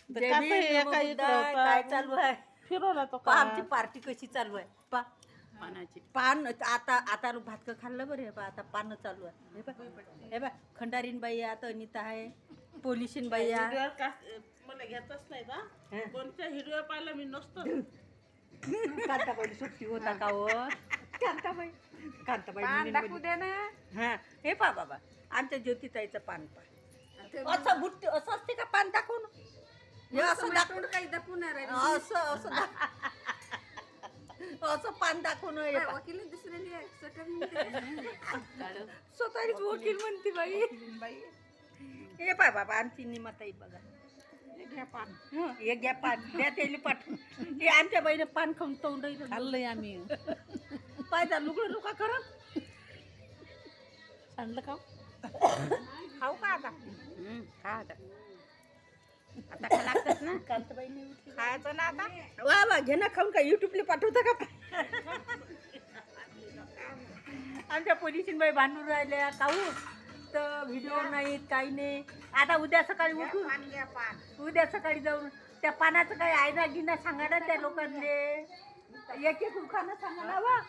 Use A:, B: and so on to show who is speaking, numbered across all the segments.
A: जय भीम, नमो बुद्धाय. काय चालू आहे?
B: फिरवला तो
A: पहा आमची पार्टी कशी चालू आहे. पहा
B: पानाची
A: पान आता भातकं खाल्लं बरं. हे पहा आता पानं चालू आहे. हे बा खंडारीन बाई आता अनिता आहे, पोलिशीन बाई आहे.
B: हिरव्या मला घेतच नाही ना. कोणत्या हिरव्या पाहिलं मी नसतो.
A: कांताबाई सुट्टी होता का हो? कांताबाई
C: पान दाखवू दे ना.
A: हा हे पहा बाबा आमच्या ज्योतिताईचं पान पहा. असं बुट्टी असं असते का पान दाखवून? हे असं दाखवून
C: काही दाखवणार आहे.
A: असं पान दाखवून हे पहा.
C: वकील दुसऱ्याने
A: स्वतःच वकील म्हणते बाई. हे पाय बाबा आमची निमाताई बघा.
B: घ्या पान
A: हे घ्या पान द्या त्याला पाठवून. हे आमच्या बाईने पान खाऊन तोंड
B: खाल्लंय आम्ही.
A: पायदा लुगडं लुका करा
B: सांडलं का
A: खाऊ का आता?
B: खा आता. आता खा लागतात ना.
A: कांताबाईने
B: खायचं ना आता.
A: वा वा घे ना खाऊन का युट्यूबला पाठवता का? आमच्या पोलिसीन बाई भांडून राहिल्या काहू तर व्हिडिओ नाहीत काही नाही. आता उद्या सकाळी उठून उद्या सकाळी जाऊन त्या पानाचं काही आयना गिना सांगा ना त्या लोकांना. एक एक उखाणं सांगा ना वा.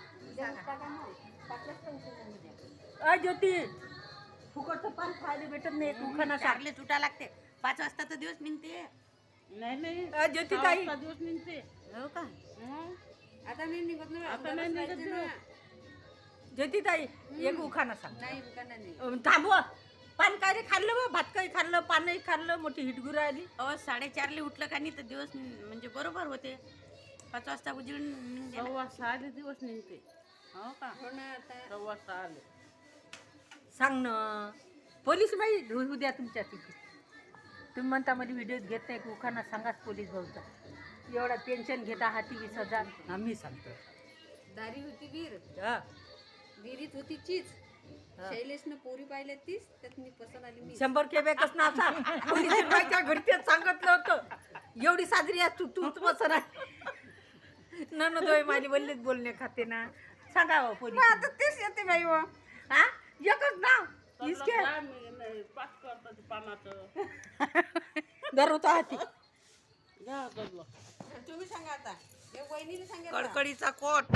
A: ज्योती फुकटचं पान खायला भेटत नाही. उखाणं सांगले तुटा लागते. 5 वाजता तर दिवस निघते.
B: नाही
A: ज्योती ताई
B: दिवस निघते.
A: हो का?
C: आता नाही निघत ना.
B: आता नाही निघत ना.
A: ज्योती ताई एक उखाणं सांग.
C: नाही दुकानात नाही.
A: थांबवा. पान काय रे खाल्लं बा? भात काही खाल्लं, पानही खाल्लं, मोठी हिटगुर आली.
D: 4:30 उठलं का नाही तर दिवस म्हणजे बरोबर होते. 5 वाजता उजळून निघते.
B: 6:15 दिवस निघते.
D: हो का?
C: हो ना आता
B: 6:15.
A: सांग ना. पोलीस बाई उद्या तुमच्या तिथे तुम्ही म्हणता मध्ये व्हिडिओ घेत नाही. उखाणा सांगाच पोलीस भाऊचा. एवढा टेन्शन घेता हाती 20,000 आम्ही सांगतो.
C: दारी होती वीर,
A: हा.
C: विहिरीत होती चीज. शैलेशनं पोरी पाहिल्या तीच त्यात मी पसंत आली मी.
A: 100 केबेकच ना असा पोलीस बाईच्या घरी तेच सांगितलं होतं. एवढी साजरी आहे तूच बसर आहे. ननदोय माझी वल्लीत बोलणे खाते ना. सांगा हो पोलीस.
C: आता तेच येते बाई व.
A: हा एकच नाव इसके
B: पाच करतात पानाचं.
A: दररोज हाती
B: घ्या गजलं.
C: तुम्ही सांगा आता. हे वहिनीने सांगितलं.
D: कडकडीचा कोट,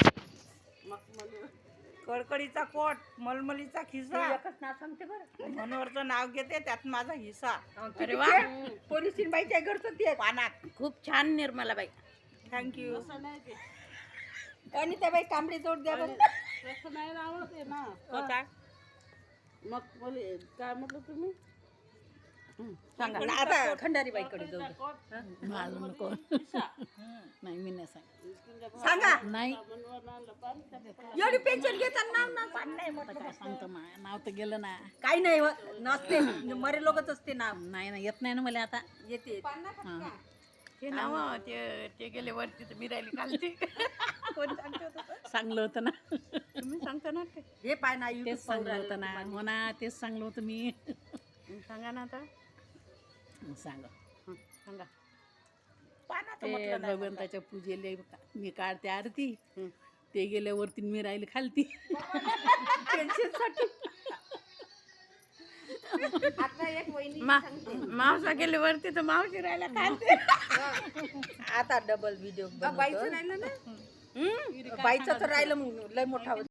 E: कडकडीचा कोट, मलमलीचा खिसा,
A: एकच नाव सांगते बरं.
E: मनोहरचं नाव घेते त्यात माझा हिस्सा.
A: अरे वा. पोलिसीन बाईच्या घरचं ते
E: पानात.
D: खूप छान निर्मला बाई.
E: थँक्यू.
B: असं नाही ते.
A: आणि त्या बाई तांबडी जोड द्या बरं.
B: तसं नाही आवडते ना.
E: काय
B: मग बोले काय म्हटलं तुम्ही?
A: सांगा आता खंडारी बाईकडे जाऊ दे.
D: माझं नको. नाही मी नाही
A: सांगा
D: नाही
A: एवढी पेन्शन घेताना नाव ना पान नाही म्हटलं.
D: काय सांगतो नाव तर गेलं ना.
A: काही नाही नसते मरे लोकच असते नाव.
D: नाही ना येत नाही ना मला आता.
A: येते
D: ते नाव ते गेले वरती तर मी राहिली खालती.
A: कोण सांगते होतं?
D: चांगलं होतं ना.
A: तुम्ही सांगता ना ते. हे पाय ना YouTube
D: तेच चांगलं होतं ना. हो ना तेच चांगलं होतं मी.
A: सांगा ना आता.
D: सांग
A: सांगा पानाचं
D: ते
A: म्हटलं नाही.
D: भगवंताच्या पूजेले मी काढते आरती. ते गेल्यावरती मी राहिली खालती.
A: पेन्शनसाठी
C: आता एक वहिनी
D: मावसा गेले वरती तर मावशी राहिला खालती.
A: आता डबल व्हिडिओ
C: बाईचं राहिलं ना.
A: बाईचं तर राहिलं मग लय मोठा